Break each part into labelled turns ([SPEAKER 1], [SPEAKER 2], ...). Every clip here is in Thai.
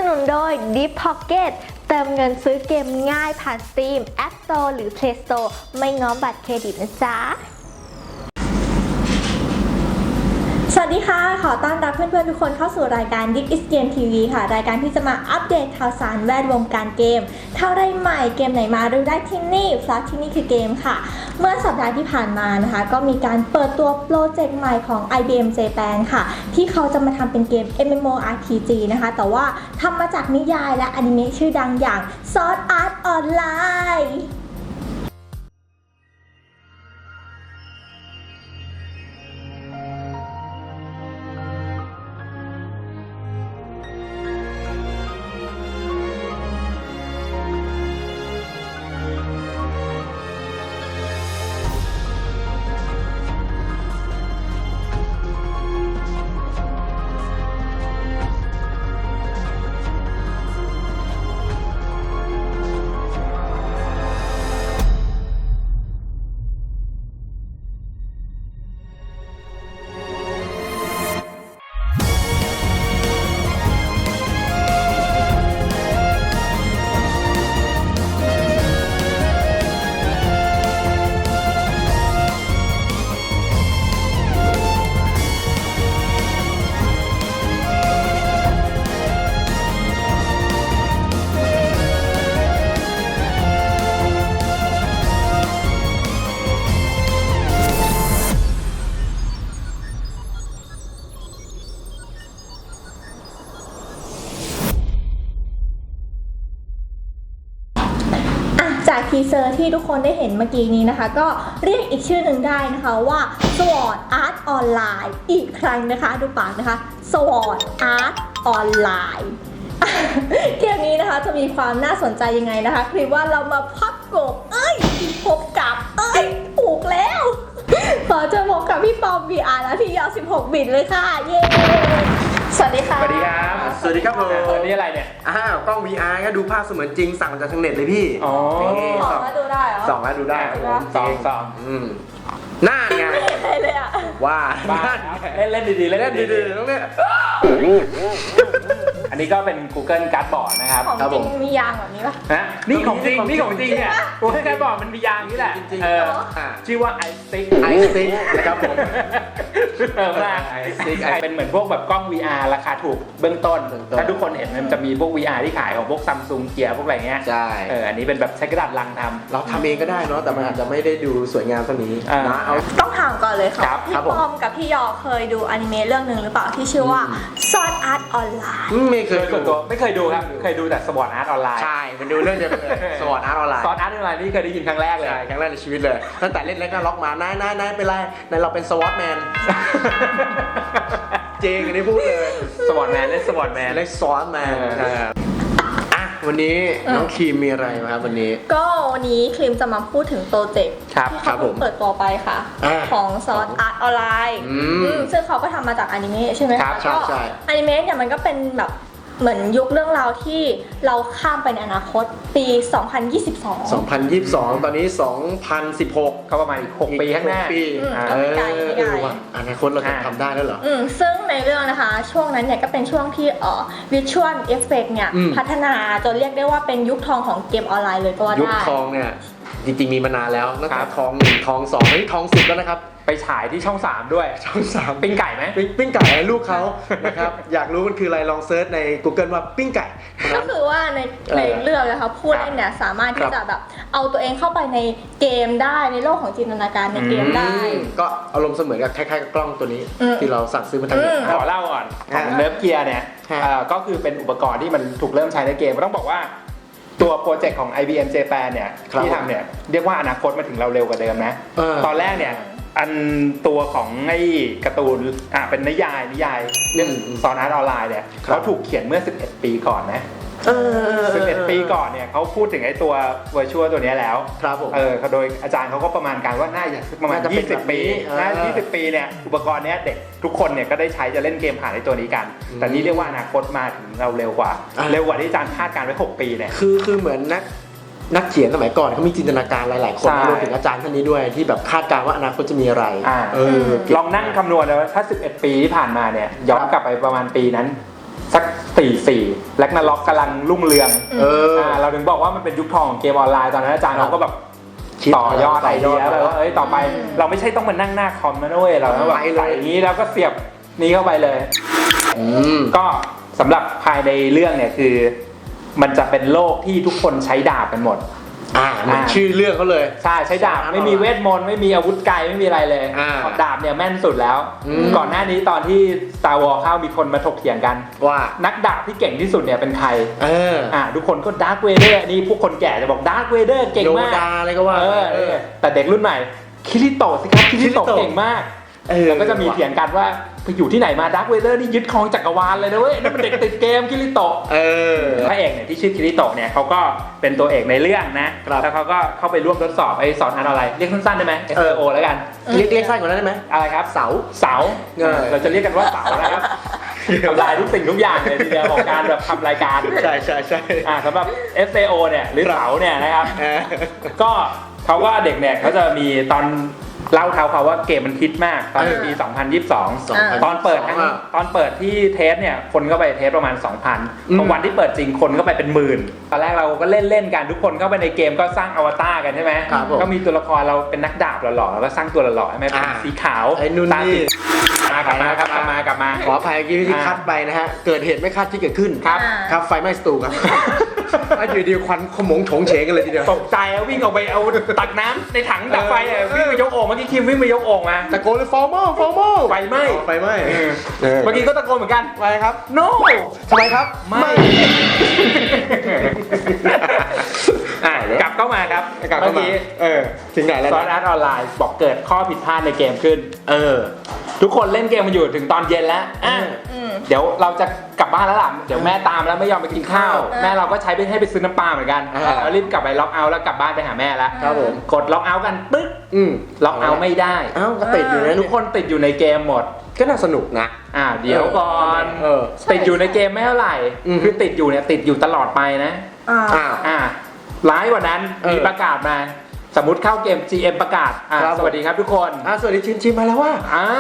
[SPEAKER 1] นุนโดย Deep Pocket เติมเงินซื้อเกมง่ายผ่าน Steam, App Store หรือ Play Store ไม่ง้อบัตรเครดิตนะจ๊ะสวัสดีค่ะขอต้อนรับเพื่อนๆทุกคนเข้าสู่รายการ This is Game TV ค่ะรายการที่จะมาอัปเดตข่าวสารแวดวงการเกมข่าวไรใหม่เกมไหนมาดูได้ที่นี่เพราะที่นี่คือเกมค่ะเมื่อสัปดาห์ที่ผ่านมานะคะก็มีการเปิดตัวโปรเจกต์ใหม่ของ IBM Japan ค่ะที่เขาจะมาทำเป็นเกม MMORPG นะคะแต่ว่าทำมาจากนิยายและอนิเมะชื่อดังอย่าง Sword Art Onlineจากทีเซอร์ที่ทุกคนได้เห็นเมื่อกี้นี้นะคะก็เรียกอีกชื่อหนึ่งได้นะคะว่า Sword Art Online อีกครั้งนะคะดูปากนะคะ Sword Art Online เกมนี้นะคะจะมีความน่าสนใจยังไงนะคะคือว่าเรามาพับกบพบกับถูกแล้วขอจะพบกับพี่ปอม VR และพี่ยาว16 บิตเลยค่ะเย้สวัสดีค่ะ
[SPEAKER 2] สวัสดีครับ
[SPEAKER 3] สวัสดีครับผม
[SPEAKER 2] อันนี้อะไรเนี่ย
[SPEAKER 3] กล้อง VR ก็ดูภาพเสมือนจริงสั่งมาจากทางเน็ตเลยพี่
[SPEAKER 2] อ๋อ
[SPEAKER 1] สองแล้วดูได้เหรอ
[SPEAKER 3] ส่องแล้วดูได้ครับผม
[SPEAKER 2] สอง
[SPEAKER 3] น่าไง
[SPEAKER 1] ไม่เห็นอะไรเลยอ่ะ
[SPEAKER 3] ว่า
[SPEAKER 2] บ้า เล่นดีๆ
[SPEAKER 3] เล่นดีๆต้องเนี่ย
[SPEAKER 2] อันนี้ก็เป็น Google Cardboard นะครับ
[SPEAKER 1] ของ
[SPEAKER 3] ครับ
[SPEAKER 1] จริ
[SPEAKER 3] ผ
[SPEAKER 1] ง
[SPEAKER 3] ม
[SPEAKER 1] มียางแบบนี้ปะ
[SPEAKER 2] นะนี่ของจริงเนี่ย Google Cardboard มันมียางนี่แหละ
[SPEAKER 3] จริงๆ
[SPEAKER 2] เออ
[SPEAKER 3] อ่ะ
[SPEAKER 2] ชื่อว่า iStick
[SPEAKER 3] ไอซิกนะครับผม
[SPEAKER 2] มาก
[SPEAKER 3] iStick
[SPEAKER 2] เป็นเหมือนพวกแบบกล้อง VR ราคาถูกเบื้องต้น ถ้าทุกคนเห็นมันจะมีพวก VR ที่ขายของพวก Samsung เกียร์พวกอะไรเงี้ย
[SPEAKER 3] ใช่
[SPEAKER 2] อันนี้เป็นแบบใช้กระดาษลังทำ
[SPEAKER 3] เราทำเองก็ได้เนาะแต่มันอาจจะไม่ได้ดูสวยงามเท่านี้
[SPEAKER 2] อ่า
[SPEAKER 3] นะเอา
[SPEAKER 1] ต้องถามก่อนเลยค่ะ
[SPEAKER 2] ครับ
[SPEAKER 1] พี่
[SPEAKER 3] ครับผม
[SPEAKER 1] ปอมกับพี่ยอเคยดูอนิเมะเรื่องหนึ่งหรือเปล่าที่ชื่อว่า Sword Art Online
[SPEAKER 3] ไม่เคย
[SPEAKER 2] ส่วนตัวไม่เคยดูครับ เคยดูแต่ Sword Art Online
[SPEAKER 3] ใช่มันดูเรื่องเดียวกันเลยสวอตอาร์ตออนไลน์
[SPEAKER 2] Sword Art Online นี่เคยได้ยินครั้งแรกเลย
[SPEAKER 3] ใช่ครั้งแรกในชีวิตเลยตั้งแต่เล่นเล็กก็ล็อกมานายเป็นไรนายเราเป็นสวอตแมนจริงอันนี้พูดเลย
[SPEAKER 2] Sword Man เล่น Sword Man
[SPEAKER 3] เล็กสวอตแมนวันนี้น้องครีมมีอะไรมาครับวันนี้
[SPEAKER 1] ก็วันนี้คลิมจะมาพูดถึงโปรเจกต์
[SPEAKER 2] ครับ
[SPEAKER 1] ที่
[SPEAKER 3] ครั
[SPEAKER 1] เขา
[SPEAKER 3] บผม
[SPEAKER 1] เพิ่งเปิดตัวไปค่ะ ของ Sword Art Online ซึ่งเขาก็ทำมาจากอนิเมะใช่ไหม
[SPEAKER 2] ครั
[SPEAKER 1] คะ
[SPEAKER 2] บ
[SPEAKER 1] ก็
[SPEAKER 3] ใช่
[SPEAKER 1] อนิเมะเนี่ยมันก็เป็นแบบเหมือนยุคเรื่องราวที่เราข้ามไปในอนาคตปี 2022
[SPEAKER 3] 2022 ตอนนี้ 2016
[SPEAKER 2] ก็ประมาณอีก 6 ปีข้างหน้า
[SPEAKER 3] ปี
[SPEAKER 1] ก็ไม่ไกลไม่ไกล
[SPEAKER 3] ว่ะอนาคตเราจะทำได้แล้วเหรอ
[SPEAKER 1] ซึ่งในเรื่องนะคะช่วงนั้นเนี่ยก็เป็นช่วงที่Visual Effect เนี่ย
[SPEAKER 3] อืม
[SPEAKER 1] พัฒนาจนเรียกได้ว่าเป็นยุคทองของเกมออนไลน์เลยก็ว่า
[SPEAKER 3] ยุค
[SPEAKER 1] ได้
[SPEAKER 3] ทองเนี่ยจริงๆมีมานานแล้วตั้ง
[SPEAKER 2] ค
[SPEAKER 3] แต่
[SPEAKER 2] รับ
[SPEAKER 3] ทอง1ทอง2นี่ทอง10แล้วนะครับ
[SPEAKER 2] ไปฉายที่ช่อง 3 ด้วย
[SPEAKER 3] ทอง3
[SPEAKER 2] ปิ้งไก่ไหม
[SPEAKER 3] ปิ้งไก่ให้ลูกเขานะครับ อยากรู้มันคืออะไรลองเซิร์ชใน Google ว่าปิ้งไก่
[SPEAKER 1] ก็คือว่าในเรื่องนะคะผู้เล่นเนี่ยสามารถที่จะแบบเอาตัวเองเข้าไปในเกมได้ในโลกของจินตนาการในเกมได้
[SPEAKER 3] ก็อารมณ์เสมือนกับคล้ายๆกับกล้องตัวนี้ ที่เราสั่งซื้อมาทางเน็ต
[SPEAKER 2] ขอเล่าก่อนของเนิร์ฟเกียร์เนี่ย
[SPEAKER 3] ฮะ
[SPEAKER 2] ก็คือเป็นอุปกรณ์ที่มันถูกเริ่มใช้ในเกมต้องบอกว่าตัวโปรเจกต์ของ IBM Japan เนี่ย
[SPEAKER 3] ครับ
[SPEAKER 2] ที่ทำเนี่ยเรียกว่าอนาคตมาถึงเราเร็วกว่าเดิมนะ ตอนแรกเนี่ยอันตัวของไอ้การ์ตูนเป็นนิยายเรื่องซอนอาร์ตออนไลน์เนี่ย
[SPEAKER 3] ครับ
[SPEAKER 2] เขาถูกเขียนเมื่อ 11 ปีก่อนนะ 11 ปีก่อนเนี่ยเขาพูดถึงไอ้ตัว Virtual ตัวนี้แล้ว
[SPEAKER 3] ครับผม
[SPEAKER 2] โดยอาจารย์เขาก็ประมาณการว่าน่าจะประมาณ
[SPEAKER 3] น่าจะเป็นแบบ
[SPEAKER 2] 20 ปี
[SPEAKER 3] นี้
[SPEAKER 2] น่าจะ20 ปีเนี่ยอุปกรณ์เนี้ยเด็กทุกคนเนี่ยก็ได้ใช้จะเล่นเกมผ่านไอ้ตัวนี้กัน แต่นี่เรียกว่าอนาคตมาถึงเราเร็วกว่าที่อาจารย์คาดการไว้ 6 ปีเนี่ย
[SPEAKER 3] คือเหมือนนักเขียนสมัยก่อนเขามีจินตนาการหลายๆคน
[SPEAKER 2] ใช่
[SPEAKER 3] รวมถึงอาจารย์ท่านนี้ด้วยที่แบบคาดการณ์ว่าอนาคตจะมีอะไร
[SPEAKER 2] ลองนั่งคำนวณเลยว่าถ้า 11 ปีที่ผ่านมาเนี่ยย้อนกลับไปประมาณปีนั้นสัก4-4แล็กนาล็อกกำลังรุ่งเรืองเราถึงบอกว่ามันเป็นยุคทองของเกมออนไลน์ตอนนั้นอาจารย์เราก็แบบต่อยอดไอเดียแล้วว่าต่อไปเราไม่ใช่ต้องมานั่งหน้าคอมนะด้วยเราต้องแบบใส่อย่างนี้แล้วก็เสียบนี้เข้าไปเลยก็สำหรับภายในเรื่องเนี่ยคือมันจะเป็นโลกที่ทุกคนใช้ดาบกันหมด
[SPEAKER 3] ชื่อเรื่องเขาเลย
[SPEAKER 2] ใช่ใช้ดาบไม่มีเวทมนต์ไม่มีอาวุธไกลไม่มีอะไรเลยดาบเนี่ยแม่นสุดแล้วก่อนหน้านี้ตอนที่ Star Wars เข้ามีคนมาถกเถียงกัน
[SPEAKER 3] ว่า
[SPEAKER 2] นักดาบที่เก่งที่สุดเนี่ยเป็นใครทุกคนก็ดาร์คเวเดอร์นี่พวกคนแก่จะบอกดาร์คเวเดอร์เก่งมาก
[SPEAKER 3] โยดาอะไรก็ว่า
[SPEAKER 2] แต่เด็กรุ่นใหม่คิริโตะสิครับคิริโตะเก่งมากแล้วก็จะมีเถียงกันว่าไปอยู่ที่ไหนมาดาร์คเวเดอร์นี่ยึดครองจักรวาลเลยนะเว้ยนั่นเป็นเด็กติดเกมคิริโตะพระเอกเนี่ยที่ชื่อคิริโตะเนี่ยเขาก็เป็นตัวเอกในเรื่องนะแล้วเขาก็เข้าไปร่วมทดสอบไอ้สอนอะไรเรียกสั้นๆได้ไหม SEO แล้วกัน
[SPEAKER 3] เรียกสั้นกว่านั้นได้ไหม
[SPEAKER 2] อะไรครับเสาเราจะเรียกกันว่าเสานะครับทำลายทุกสิ่งทุกอย่างเลยทีเดียวของการแบบทำรายการ
[SPEAKER 3] ใช่
[SPEAKER 2] สำหรับ SEO เนี่ยหรือเสาเนี่ยนะครับก็เขาว่าเด็กเนี่ยเขาจะมีตอนเล่าเขาว่าเกมมันฮิตมากตอนปี2022ตอนเปิดที่เทสเนี่ยคนก็ไปเทสประมาณ 2,000 พอวันที่เปิดจริงคนก็ไปเป็นหมื่นตอนแรกเราก็เล่นกันทุกคนเข้าไปในเกมก็สร้างอวตารกันใช่ไหมก็มีตัวละครเราเป็นนักดาบหล่อๆแล้วก็สร้างตัวหล่อๆใช่ไหมเป็นสีขาว
[SPEAKER 3] ตาสี
[SPEAKER 2] กลับมา
[SPEAKER 3] ขออภัยเมื่อกี้ที่คัดไปนะฮะเกิดเหตุไม่คาดที่เกิดขึ้นครับไฟไหม้สตูครับอยู่ดีควันขมงโฉงเฉงกันเลยทีเดียว
[SPEAKER 2] ตกใจแล้ววิ่งออกไปเอาตักน้ำในถังดับไฟวิ่งไปยกโอ่งเมื่อกี้คิมวิ่งไปยกโอ่งมา
[SPEAKER 3] ตะโกนเลยฟอร์มอลไฟไหม้
[SPEAKER 2] เมื่อกี้ก็ตะโกนเหมือนกัน
[SPEAKER 3] ไฟครับ
[SPEAKER 2] no
[SPEAKER 3] ทำไมครับ
[SPEAKER 2] ไม่กลับเข้ามาครับเมื่อกี้
[SPEAKER 3] ถึงไหนแล้ว
[SPEAKER 2] ซอสอาร์ตออนไลน์บอกเกิดข้อผิดพลาดในเกมขึ้นทุกคนเล่นเกมมาอยู่ถึงตอนเย็นแล้วเดี๋ยวเราจะกลับบ้านแล้วล่ะเดี๋ยวแม่ตามแล้วไม่ยอมไปกินข้าวแม่เราก็ใช้ให้ไปซื้อน้ำปลาเหมือนกันแล้วรีบกลับไปล็อกเอาท์แล้วกลับบ้านไปหาแม่แล้วกดล็อกเอาท์กันปึ๊กล็อกเอาท์ไม่ได้
[SPEAKER 3] ก็ติดอยู่นะ
[SPEAKER 2] ทุกคนติดอยู่ในเกมหมด
[SPEAKER 3] ก็น่าสนุกนะ
[SPEAKER 2] เดี๋ยวก่อนติดอยู่ในเกมไม่เท่าไหร่คือติดอยู่เนี่ยติดอยู่ตลอดไปนะร้ายกว่านั้นมีประกาศมาสมมุติเข้าเกม GM ประกาศสวัสดีครับทุกคน
[SPEAKER 3] สวัสดีชินมาแล้วว่า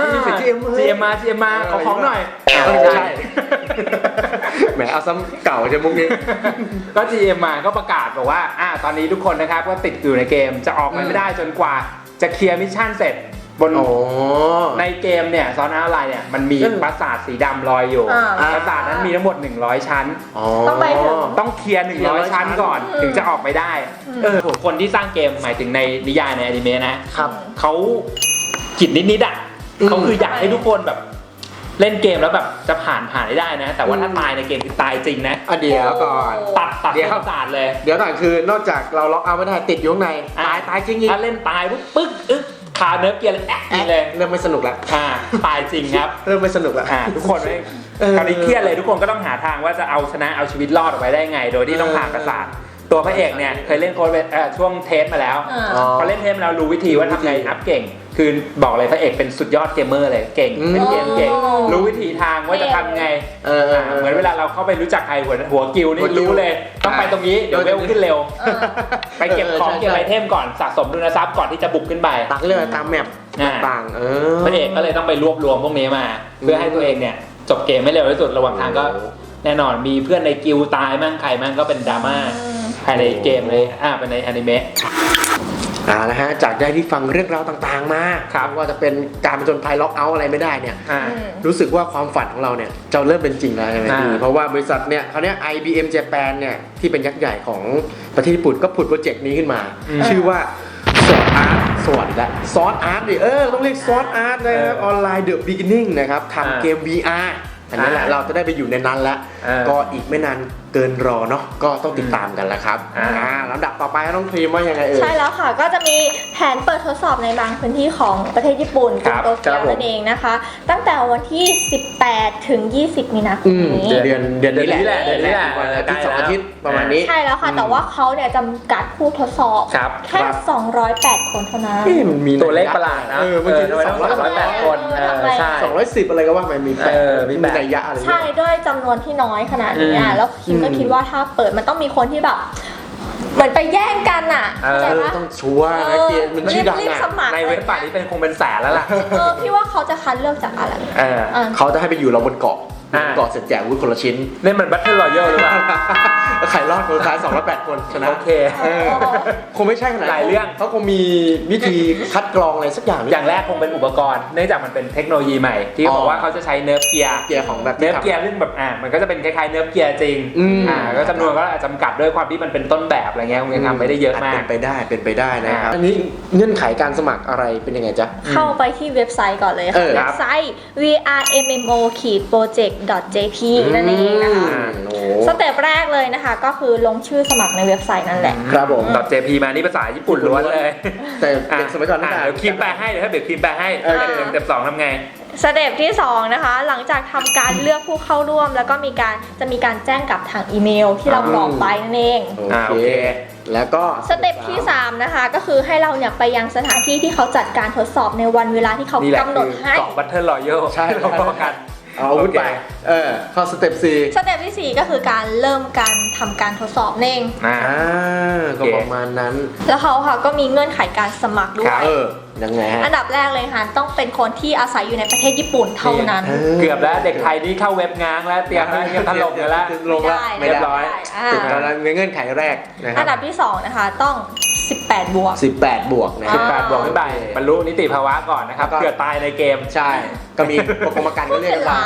[SPEAKER 2] GM มาขอของหน่อย
[SPEAKER 3] ใช่แหมเอาซ้ำเก่าจะมุกนี้
[SPEAKER 2] ก็ GM มาก็ประกาศบอกว่าตอนนี้ทุกคนนะครับก็ติดอยู่ในเกมจะออกไม่ได้จนกว่าจะเคลียร์มิชชั่นเสร็จบนในเกมเนี่ยซอนอาร์ไลน์เนี่ยมันมีปราสาทสีดำลอยอยู่ปราสาทนั้นมีทั้งหมด100ชั้นต้องเคลียร์100ชั้นก่อนถึงจะออกไปได้คนที่สร้างเกมหมายถึงในนิยายในอนิเมะนะครับเขาจิตนิดเขาคืออยากให้ทุกคนแบบเล่นเกมแล้วแบบจะผ่านได้นะแต่ว่าถ้าตายในเกมคือตายจริงนะ
[SPEAKER 3] เดี๋ยวก่อน
[SPEAKER 2] ตัดปราสาทเลย
[SPEAKER 3] เดี๋ยวก่อนคือนอกจากเราล็อกเอาไม่ได้ติดอยู่ข้างในตายจริง
[SPEAKER 2] ถ้าเล่นตายปึ๊กขาเนิร์ฟเกียร์เลย
[SPEAKER 3] เริ่มไม่สนุกแล้ว
[SPEAKER 2] ตายจริงครับ
[SPEAKER 3] เริ่มไม่สนุกแล้ว
[SPEAKER 2] ทุกคนคราวนี้เครียดเลยทุกคนก็ต้องหาทางว่าจะเอาชนะเอาชีวิตรอดออกไปได้ไงโดยที่ต้องผ่านปราสาทตัวพระเอกเนี่ยเคยเล่นโค้ดช่วงเทสมาแล้วพอเล่นเทสมาแล้วรู้วิธีว่าทำไงอัพเก่งคือบอกเลยพระเอกเป็นสุดยอดเกมเมอร์เลยเก่งเป็นเกมเก่งรู้วิธีทางว่าจะทำไงเหมือนเวลาเราเข้าไปรู้จักใครหัวกิลนี่รู้เลยต้องไปตรงนี้เดี๋ยวเวลขึ้นเร็วไปเก็บของเก็บไอเทมก่อนสะสมทุนทรัพย์ก่อนที่จะบุกขึ้นไป
[SPEAKER 3] ตักเรื่องตามแมปต่าง
[SPEAKER 2] พระเอกก็เลยต้องไปรวบรวมพวกนี้มาเพื่อให้ตัวเองเนี่ยจบเกมไม่เร็วที่สุดระหว่างทางก็แน่นอนมีเพื่อนในกิลตายมั่งใครมั่งก็เป็นดราม่าภายในเกมเลยเป็นในอนิเมะ
[SPEAKER 3] นะฮะจากได้ที่ฟังเรื่องราวต่างๆมาครับว่าจะเป็นการผจญภัยล็อกเอาท์อะไรไม่ได้เนี่ยรู้สึกว่าความฝันของเราเนี่ยจะเริ่มเป็นจริงแล้วใช่ไหมพี่เพราะว่าบริษัทเนี่ยเขาเนี่ย IBM Japan เนี่ยที่เป็นยักษ์ใหญ่ของประเทศญี่ปุ่นก็ผุดโปรเจกต์นี้ขึ้นมาชื่อว่าซอสอาร์ตสวัสดีและซอสอาร์ตดิต้องเรียกซอสอาร์ตนะครับออนไลน์ The Beginning นะครับทำเกม VR อันนั้นแหละเราจะได้ไปอยู่ในนั้นแล้วก็อีกไม่นานเกินรอเนาะก็ต้องติดตามกันแล้วครับลำดับต่อไปน้องครีมว่ายังไง
[SPEAKER 1] ใช่แล้วค่ะก็จะมีแผนเปิดทดสอบในบางพื้นที่ของประเทศญี่ปุ่นโตเกียวนั่นเองนะคะตั้งแต่วันที่18ถึง20มีนาคมนี้
[SPEAKER 3] เดือนนี้แหละวันอาทิตย์2อาทิตย์ประมาณนี้
[SPEAKER 1] ใช่แล้วค่ะแต่ว่าเขาเนี่ยจำกัดผู้ทดสอบแค่208คนเท่านั้น
[SPEAKER 3] มี
[SPEAKER 2] ตัวเลขประหลาดนะ
[SPEAKER 3] มันจะ208คนใช่210อะไรก็ว่ามันมีนัยยะอะไร
[SPEAKER 1] ใช่ด้วยจำนวนที่น้อยขนาดนี้แล้วคิมก็คิดว่าถ้าเปิดมันต้องมีคนที่แบบเหมือนไปแย่งกันอ่ะ
[SPEAKER 3] ต้องชัวร์นะเกมมันชื่อดัง
[SPEAKER 2] ในเว็บป่านี้คงเป็นแสนแล้วล่ะ
[SPEAKER 1] พี่ว่าเขาจะคัดเลือกจากอะไร
[SPEAKER 3] เขาจะให้ไปอยู่เราบนเกาะก่อนเสร็จแจกวุ้นคนละชิ้น
[SPEAKER 2] นี่มัน Battle Royale หรือเปล่า
[SPEAKER 3] ใครรอดคนสุดท้าย208 คนชนะ
[SPEAKER 2] โอเค
[SPEAKER 3] คงไม่ใช่ขนาด
[SPEAKER 2] หลายเรื่อง
[SPEAKER 3] เขาคงมีวิธีคัดกรองอะไรสักอย่าง
[SPEAKER 2] อย่างแรกคงเป็นอุปกรณ์เนื่องจากมันเป็นเทคโนโลยีใหม่ที่บอกว่าเขาจะใช้เนิร์ฟเกียร์
[SPEAKER 3] เกียร์ของแบบ
[SPEAKER 2] เนิร์ฟเกียร์ซึ่งแบบมันก็จะเป็นคล้ายๆเนิร์ฟเกียร์จริงก็จำนวนก็อาจจำกัดด้วยความที่มันเป็นต้นแบบอะไรเงี้ยคงยังทำไม่ได้เยอะมาก
[SPEAKER 3] เป็นไปได้นะครับอันนี้เงื่อนไขการสมัครอะไรเป็นยังไงจ๊ะ
[SPEAKER 1] เข้าไปที่เว็บไซต์ก่อนเลยค่ะเว็บไซต์ vrmmo-project.jp นั่นเองนะคะสเต็ปแรกเลยนะคะก็คือลงชื่อสมัครในเว็บไซต์นั่นแหละ
[SPEAKER 3] ครับผม
[SPEAKER 2] .jp มานี่ภาษาญี่ปุ่นล้วนเลย
[SPEAKER 3] แต่เป็นสมัยก่อนนะ
[SPEAKER 2] เดี๋ยวคิมแปลให้เดี๋ยวถ้าเดี๋ยวคิมแปลให้สเต็ป2ทำไง
[SPEAKER 1] สเต็ปที่2นะคะหลังจากทำการเลือกผู้เข้าร่วมแล้วก็จะมีการแจ้งกับทางอีเมลที่เราบอกไปนั่นเอง
[SPEAKER 3] โอเคแล้วก็
[SPEAKER 1] สเต็ปที่3นะคะก็คือให้เราเนี่ยไปยังสถานที่ที่เขาจัดการทดสอบในวันเวลาที่เขากำหนดให้
[SPEAKER 2] เกาะ Battle Royale
[SPEAKER 3] ใช่
[SPEAKER 2] เราบอกกัน
[SPEAKER 3] เอาวุ้นไปเข้าสเต็ป4
[SPEAKER 1] สเต็ปที่4ก็คือการเริ่มการทำการทดสอบเอง
[SPEAKER 3] ก็ประมาณนั้น
[SPEAKER 1] แล้วเขาค่ะก็มีเงื่อนไขการสมัครด้วย
[SPEAKER 3] ยังไงฮะ
[SPEAKER 1] อันดับแรกเลยค่ะต้องเป็นคนที่อาศัยอยู่ในประเทศญี่ปุ่นเท่านั้น
[SPEAKER 2] เกือบแล้วเด็กไทยนี่เข้าเว็บง้างแล้วเตรียมถล่มกันแล้ว
[SPEAKER 3] ลงแล้วไม่เรียบร้อยติดแล้วเงื่อนไขแรกนะครับ
[SPEAKER 1] อันดับที่2นะคะต้อง18 บวก
[SPEAKER 3] นะ
[SPEAKER 2] 18 บวกขึ้นไปบรรลุนิติภาวะก่อนนะครับเกิดตายในเกม
[SPEAKER 3] ใช่ก็มีกรมการก็เรียกกันมา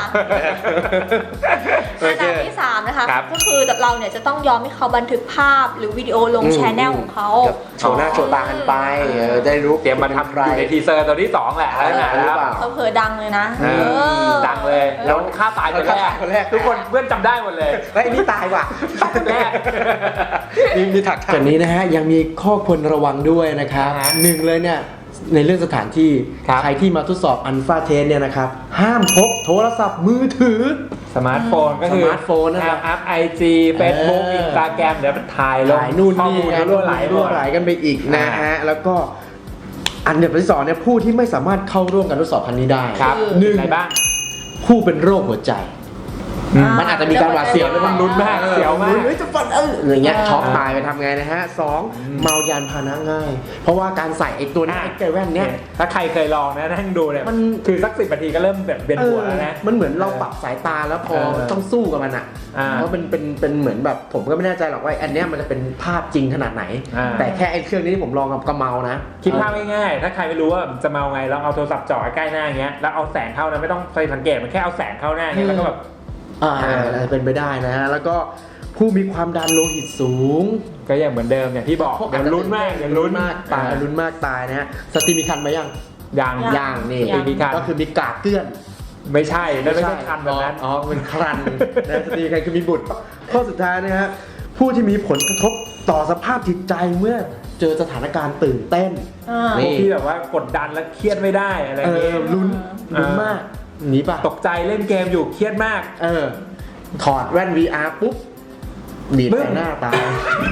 [SPEAKER 1] อันดับที่3นะคะก็คือเราเนี่ยจะต้องยอมให้เขาบันทึกภาพหรือวิดีโอลงแชนแนลของเขา
[SPEAKER 3] โชว์หน้าโชว์ตากันไปได้รู้
[SPEAKER 2] เตรียมมาทำอยู่ในทีเซอร์ตัวที่2แหละแล้ว
[SPEAKER 1] เผลอดังเลยนะ
[SPEAKER 2] ดังเลยแล้วฆ่าตายคนแรกทุกคนเพื่อนจำได้หมดเลย
[SPEAKER 3] ไอ้นี่ตายว่ะ
[SPEAKER 2] คนแรก
[SPEAKER 3] มีถักแต่นี้นะฮะยังมีข้อควรระวังด้วยนะครับหนึ่งเลยเนี่ยในเรื่องสถานที่ใครที่มาทดสอบอัลฟาเทสเนี่ยนะครับห้ามพกโทรศัพท์มือถือ
[SPEAKER 2] สมาร์ทโฟนก็คือ
[SPEAKER 3] สมาร์ทโฟนนะครับ
[SPEAKER 2] อัพ IG Facebook Instagram เดี๋ยวถ่ายลง
[SPEAKER 3] นู่นนี่รั่วไหลกันไปอีกนะฮะแล้วก็อันดับที่2เนี่ยผู้ที่ไม่สามารถเข้าร่วมการทดสอบครั้งนี้ได้
[SPEAKER 2] หนึ่งอะไรบ้าง
[SPEAKER 3] ผู้เป็นโรคหัวใจมันอาจจะมีการหวาดเสียวแล้วมันลุ้นมาก
[SPEAKER 2] เสียวมาก
[SPEAKER 3] จะฟันอย่างเงี้ยช็อกตายไปทำไงนะฮะ2เมายานพาหนะง่ายเพราะว่าการใส่ไอ้ตัวนี้ไอ้แกแว่นเนี้ย
[SPEAKER 2] ถ้าใครเคยลองนะนั่งดูเนี่ยมันคือสัก10 นาทีก็เริ่มแบบเวียนหัวแล้วนะ
[SPEAKER 3] มันเหมือนเราปรับสายตาแล้วพอต้องสู้กับมันอ่ะเพราะเป็นเหมือนแบบผมก็ไม่แน่ใจหรอกว่าอันเนี้ยมันจะเป็นภาพจริงขนาดไหนแต่แค่ไอ้เครื่องนี้ที่ผมลองกับกระเมานะ
[SPEAKER 2] คิดภาพง่ายๆถ้าใครไม่รู้ว่าจะเมาไงเราเอาโทรศัพท์จ่อใกล้หน้าอย่างเงี้ยแล้วเอาแสงเข้านะไม่ต้องใส่สังเกตมันแค่เอาแสงเข้าหน้าเงี้ยแล้วก็แบบ
[SPEAKER 3] เป็นไปได้นะฮะแล้วก็ผู้มีความดันโลหิตสูง
[SPEAKER 2] ก็อย่างเหมือนเดิมอย่างที่บอกอย่าลุ้นมาก
[SPEAKER 3] ตายลุ้นมากตายนะฮะสติมีคันไหมยังนี่ก็คือมีกากเกลื่อน
[SPEAKER 2] ไม่ใช่นั่นไม่ใช่คันแบบนั้น
[SPEAKER 3] เป็นครันนะสติมีคันคือมีบุตรข้อสุดท้ายนะฮะผู้ที่มีผลกระทบต่อสภาพจิตใจเมื่อเจอสถานการณ์ตื่นเต้น
[SPEAKER 2] ที่แบบว่ากดดันและเครียดไม่ได้อะไรเงี้ย
[SPEAKER 3] ลุ้นมากนี่ป่ะ
[SPEAKER 2] ตกใจเล่นเกมอยู่เครียดมาก
[SPEAKER 3] ถอดแว่น VR ปุ๊บบีบใส่หน้าตาย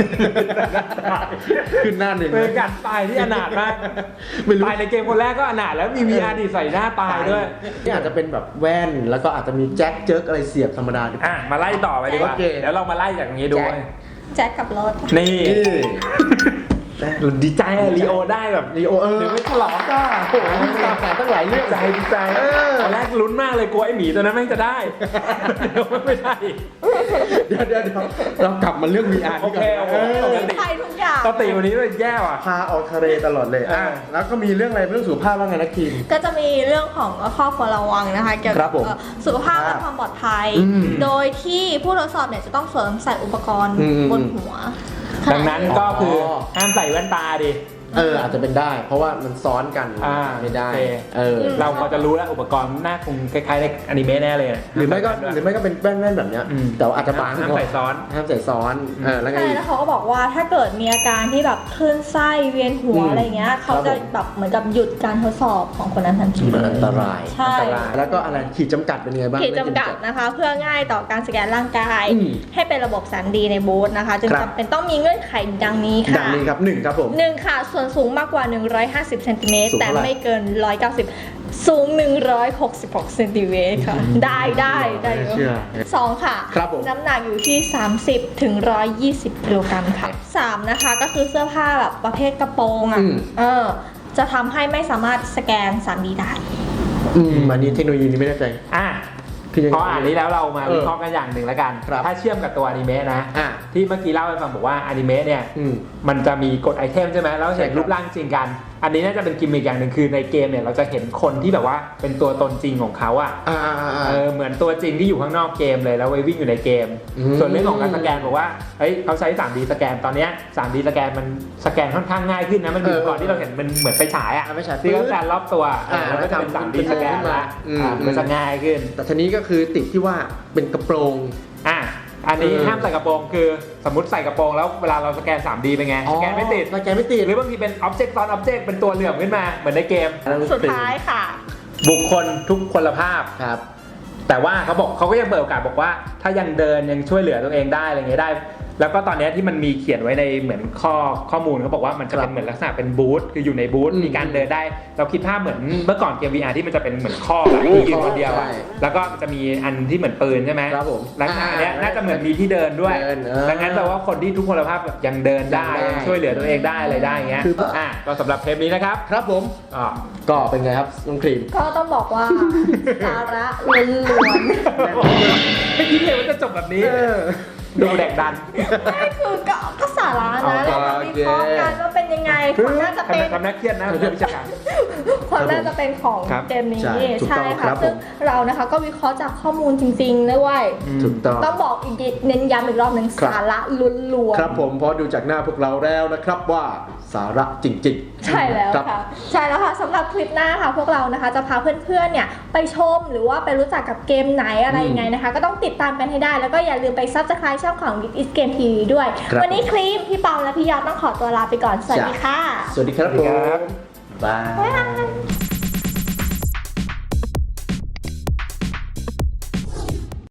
[SPEAKER 3] ขึ้นหน้าหนึ่ง
[SPEAKER 2] เป็นการตายที่อนาถมากตายในเกมคนแรกก็อนาถแล้วมี VR ดีใส่หน้าตายด้วย
[SPEAKER 3] นี่อาจจะเป็นแบบแว่นแล้วก็อาจจะมีแจ็คเจิร์กอะไรเสียบธรรมดา
[SPEAKER 2] มาไล่ต่อไปดีกว่าเดี๋ยวเรามาไล่จากตรงนี้ดู
[SPEAKER 1] แจ็คกับรถ
[SPEAKER 2] นี่ดีใจลีโอได้แบบ
[SPEAKER 3] ลีโอ
[SPEAKER 2] หรือไม่ฉลองก็
[SPEAKER 3] โอ้โหตามแต่ตั้งหลายเรื่อง
[SPEAKER 2] ดีใจตอนแรกลุ้นมากเลยกลัวไอ้หมีตัวนั้นไม่จะได้ไม่ได้
[SPEAKER 3] เดี๋ยวเรากลับมาเรื่อง VR
[SPEAKER 2] โอเค
[SPEAKER 1] ใช่ทุกอย่าง
[SPEAKER 2] ปกติวันนี้มันแย่ว่ะ
[SPEAKER 3] พาออกทะเลตลอดเลยแล้วก็มีเรื่องอะไรเรื่องสุขภาพว่าไงนะคิม
[SPEAKER 1] ก็จะมีเรื่องของข้อควรระวังนะคะเกี่ยวกับสุขภาพและความปลอดภัยโดยที่ผู้ทดสอบเนี่ยจะต้องสวมใส่อุปกรณ์บนหัว
[SPEAKER 2] ดังนั้นก็คือห้ามใส่แว่นตาดิ
[SPEAKER 3] อาจจะเป็นได้เพราะว่ามันซ้อนกันไม่ได้
[SPEAKER 2] เราพอจะรู้แล้วอุปกรณ์หน้าคงคล้ายๆในอนิเมะแน่เลย
[SPEAKER 3] หรือไม่ก็เป็นแว่นแบบนี้แต่อาจจะบาง
[SPEAKER 2] ห้ามใส่ซ้อน
[SPEAKER 3] แล้วไง
[SPEAKER 1] แล้วเขาก็บอกว่าถ้าเกิดมีอาการที่แบบคลื่นไส้เวียนหัวอะไรเงี้ยเขาจะแบบเหมือนกับหยุดการทดสอบของคนนั้นทันที
[SPEAKER 3] อันตราย
[SPEAKER 1] ใช่
[SPEAKER 3] แล้วก็อะไรขีดจำกัดเป็นไงบ้าง
[SPEAKER 1] ขีดจำกัดนะคะเพื่อง่ายต่อการสแกนร่างกายให้เป็นระบบ 3D ในบูธนะคะจึงจำเป็นต้องมีเงื่อนไขดังนี้ค่ะ
[SPEAKER 3] ดังนี้ครับ1ครับผม
[SPEAKER 1] 1ค่ะส่วนสูงมากกว่า150 เซนติเมตรแต่ไม่เกิน190สูง166 เซนติเมตรค่ะได้2ค่ะน้ำหนักอยู่ที่30 ถึง 120 กิโลกรัมค่ะ3นะคะก็คือเสื้อผ้าแบบประเภทกระโปรงจะทำให้ไม่สามารถสแกน 3D ได้
[SPEAKER 3] อันนี้เทคโนโลยีนี้ไม่แน่ใจคือยังไง
[SPEAKER 2] พออ่านนี้แล้วเรามาวิเคราะห์กันอย่างหนึ่งแล้วกัน
[SPEAKER 3] ครับ
[SPEAKER 2] ถ้าเชื่อมกับตัวอนิเมะนะ
[SPEAKER 3] อ่ะ
[SPEAKER 2] ที่เมื่อกี้เล่าให้ฟังบอกว่าอนิเมะเนี่ย มันจะมีกดไอเทมใช่ไหมแล้ว
[SPEAKER 3] ใช่
[SPEAKER 2] เห็น
[SPEAKER 3] ครับ
[SPEAKER 2] รูปร่างจริงกัน อันนี้น่าจะเป็นกิมมิคอย่างหนึ่งคือในเกมเนี่ยเราจะเห็นคนที่แบบว่าเป็นตัวตนจริงของเขาอะ เหมือนตัวจริงที่อยู่ข้างนอกเกมเลยแล้วไปวิ่งอยู่ในเกม ส่วนเรื่องของการสแกนบอกว่าเฮ้ยเขาใช้ 3D สแกนตอนเนี้ย 3D สแกนมันสแกนค่อนข้างง่ายขึ้นนะมันอยู่ก่อนที่เราเห็นมันเหมือนไฟฉายอะ
[SPEAKER 3] ไม่ใช่
[SPEAKER 2] ที่เขาสแกนรอบตัว
[SPEAKER 3] แล้ว
[SPEAKER 2] ก็จะเป็น 3D สแกนละ มันจะง่ายขึ้น
[SPEAKER 3] แต่ทีนี้ก็คือติดที่ว่าเป็นกระโปรง
[SPEAKER 2] อันนี้ห้ามใส่กระโปรงคือสมมติใส่กระโปรงแล้วเวลาเราสแกน 3D เป็นไงสแกนไม่ติด
[SPEAKER 3] สแกนไม่ติด
[SPEAKER 2] หรือบางทีเป็น object ซ้อน object เป็นตัวเหลื่อมขึ้นมาเหมือนในเกม
[SPEAKER 1] สุดท้ายค่ะ
[SPEAKER 2] บุคคลทุกพลภาพ
[SPEAKER 3] ครับ
[SPEAKER 2] แต่ว่าเขาก็ยังเปิดโอกาสบอกว่าถ้ายังเดินยังช่วยเหลือตัวเองได้อะไรเงี้ยได้ แล้วก็ตอนนี้ที่มันมีเขียนไว้ในเหมือนข้อมูลเขาบอกว่ามันจะเป็นเหมือนลักษณะเป็นบูธคืออยู่ในบูธมีการเดินได้ เราคิดภาพเหมือนเมื่อก่อนเกม VR ที่มันจะเป็นเหมือนข้อแบบที่ยืนคนเดียวอะแล้วก็จะมีอันที่เหมือนปืนใช่ไหม
[SPEAKER 3] ครับผม
[SPEAKER 2] ลักษณะเนี้ยน่าจะเหมือนมีที่เดินด้วย ดังนั้นแปลว่าคนที่ทุกพลภาพยังเดินได้ยังช่วยเหลือตัวเองได้อะไรได้เงี้ยก็สำหรับเทปนี้นะครับ
[SPEAKER 3] ครับผมก็เป็นไงครับน้องครีม
[SPEAKER 1] ก็ต้องบอกว่า สาระล้วน
[SPEAKER 2] ไม่คิดเลยว่าจะจบแบบนี้ดูแดกดัน
[SPEAKER 1] ๆไม่คือก็สาระนะเรามาวิเคราะห์กันว่าเป็นยังไงความน่าจะเป็น
[SPEAKER 2] ทำน่าเครียดนะเรื่องวิชาการ
[SPEAKER 1] ความน่าจะเป็นของ
[SPEAKER 2] ครับ
[SPEAKER 1] เกมนี้
[SPEAKER 3] ใช่ถูกต้อง
[SPEAKER 1] ค่ะ
[SPEAKER 3] ครับ
[SPEAKER 1] ซึ่งเรานะคะก็วิเคราะห์จากข้อมูลจริงๆด้วย
[SPEAKER 3] ถูกต้อง
[SPEAKER 1] ต้องบอกอีกทีเน้นย้ำอีกรอบหนึ่ง
[SPEAKER 3] ครับ
[SPEAKER 1] สาระล้วนๆ
[SPEAKER 3] ครับผมเพราะดูจากหน้าพวกเราแล้วนะครับว่าสาระจริงๆ
[SPEAKER 1] ใช่แล้ว
[SPEAKER 3] ครับ
[SPEAKER 1] ค่ะใช่แล้วค่ะสำหรับคลิปหน้าค่ะพวกเรานะคะจะพาเพื่อนๆเนี่ยไปชมหรือว่าไปรู้จักกับเกมไหนอะไรยังไงนะคะ ก็ต้องติดตามกันให้ได้แล้วก็อย่าลืมไป Subscribe ช่องของ This is Game TV ด้วย
[SPEAKER 3] ครับ
[SPEAKER 1] วันนี้ครีมพี่ปอมและพี่ยอดต้องขอตัวลาไปก่อนสวัสดีค่ะ
[SPEAKER 3] สวัสดีครับ
[SPEAKER 2] สวัสดี
[SPEAKER 3] ผ
[SPEAKER 2] ครับ
[SPEAKER 3] มบาย